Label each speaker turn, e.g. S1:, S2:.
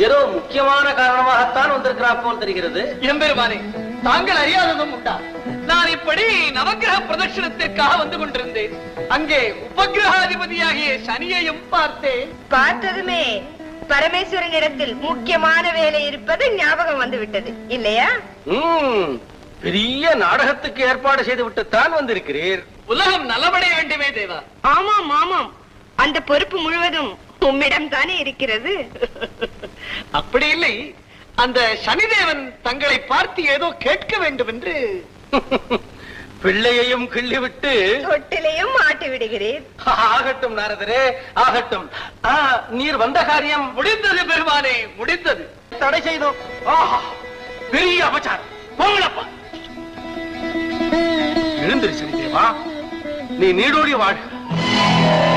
S1: ஏதோ முக்கியமான காரணமாகத்தான் வந்திருக்கிறார் போல் தெரிகிறது.
S2: எம்பெருமானே, தாங்கள் அறியாததும் உண்டா? நான் இப்படி நவக்கிரக பிரதட்சணத்திற்காக வந்து கொண்டிருந்தேன். அங்கே உபகிரகாதிபதியாகிய சனியையும் பார்த்தேன்.
S3: பார்த்ததுமே பரமேஸ்வரனிடத்தில் முக்கியமான வேலை இருப்பது ஞாபகம் வந்து விட்டது இல்லையா?
S1: பெரிய நாடகத்துக்கு ஏற்பாடு செய்து விட்டுத்தான் வந்திருக்கிறீர்.
S2: உலகம் நலமடைய வேண்டுமே தேவா.
S3: ஆமாம் ஆமாம், அந்த பொறுப்பு முழுவதும் உம்மிடம் தானே இருக்கிறது.
S2: அப்படி இல்லை, அந்த சனிதேவன் தங்களை பார்த்து ஏதோ கேட்க வேண்டும் என்று.
S1: பிள்ளையையும் கிள்ளிவிட்டு
S3: தொட்டிலையும் மாட்டி விடுகிறேன்.
S1: ஆகட்டும் நாரதரே, ஆகட்டும். நீர் வந்த காரியம்
S2: முடிந்தது பெருமானே, முடிந்தது.
S1: தடை செய்தோம். பெரிய அபச்சாரம். போங்களப்பா. எழுந்திரு சனிதேவா, நீ நீடோடி வாழ்.